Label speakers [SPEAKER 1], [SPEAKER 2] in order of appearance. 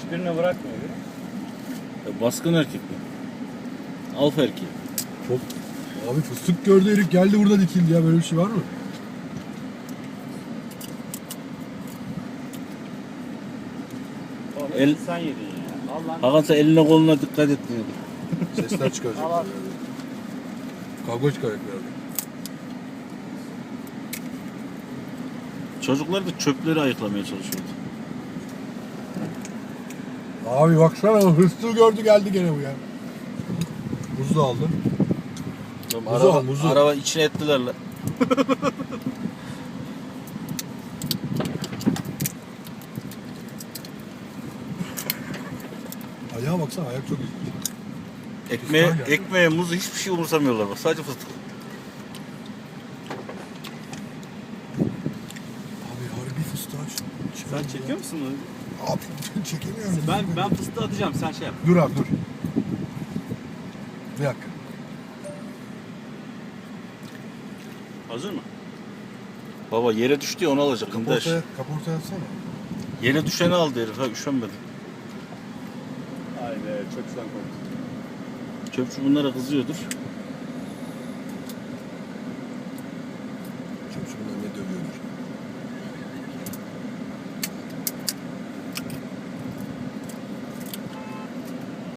[SPEAKER 1] Hiçbirini bırakmıyor.
[SPEAKER 2] Baskın erkek mi? Alfa erkeği.
[SPEAKER 3] Çok... Abi fıstık gördü herif geldi burada dikildi ya, böyle bir şey var mı?
[SPEAKER 1] Sen yedin ya. Allah'ın.
[SPEAKER 2] Hakan sen eline koluna dikkat et diyor.
[SPEAKER 3] Sesler çıkaracak.
[SPEAKER 1] Allah.
[SPEAKER 3] Kavga çıkaracak herhalde.
[SPEAKER 2] Çocuklar da çöpleri ayıklamaya çalışıyordu.
[SPEAKER 3] Abi baksana, hırsızı gördü geldi gene bu ya. Muzu da aldı. Muzu al, muzu.
[SPEAKER 2] Araba içine ettiler lan.
[SPEAKER 3] Ayağa baksana, ayak çok iyi.
[SPEAKER 2] Ekmeğe, muzu hiçbir şey umursamıyorlar bak. Sadece fıstık.
[SPEAKER 3] Abi harbi fıstığa
[SPEAKER 1] Sen çekiyor musun onu?
[SPEAKER 3] Abi çekemiyorum.
[SPEAKER 1] Ben fıstığı atacağım, sen şey yap.
[SPEAKER 3] Dur abi dur. Bir dakika.
[SPEAKER 1] Hazır mı?
[SPEAKER 2] Baba yere düştü ya, onu alacak. Kındaş.
[SPEAKER 3] Kaportaya atsana.
[SPEAKER 2] Yere düşeni aldı herif. Ha, üşenmedi.
[SPEAKER 1] Ay be, çok sen korktun.
[SPEAKER 2] Çöpçü bunlara kızıyordur.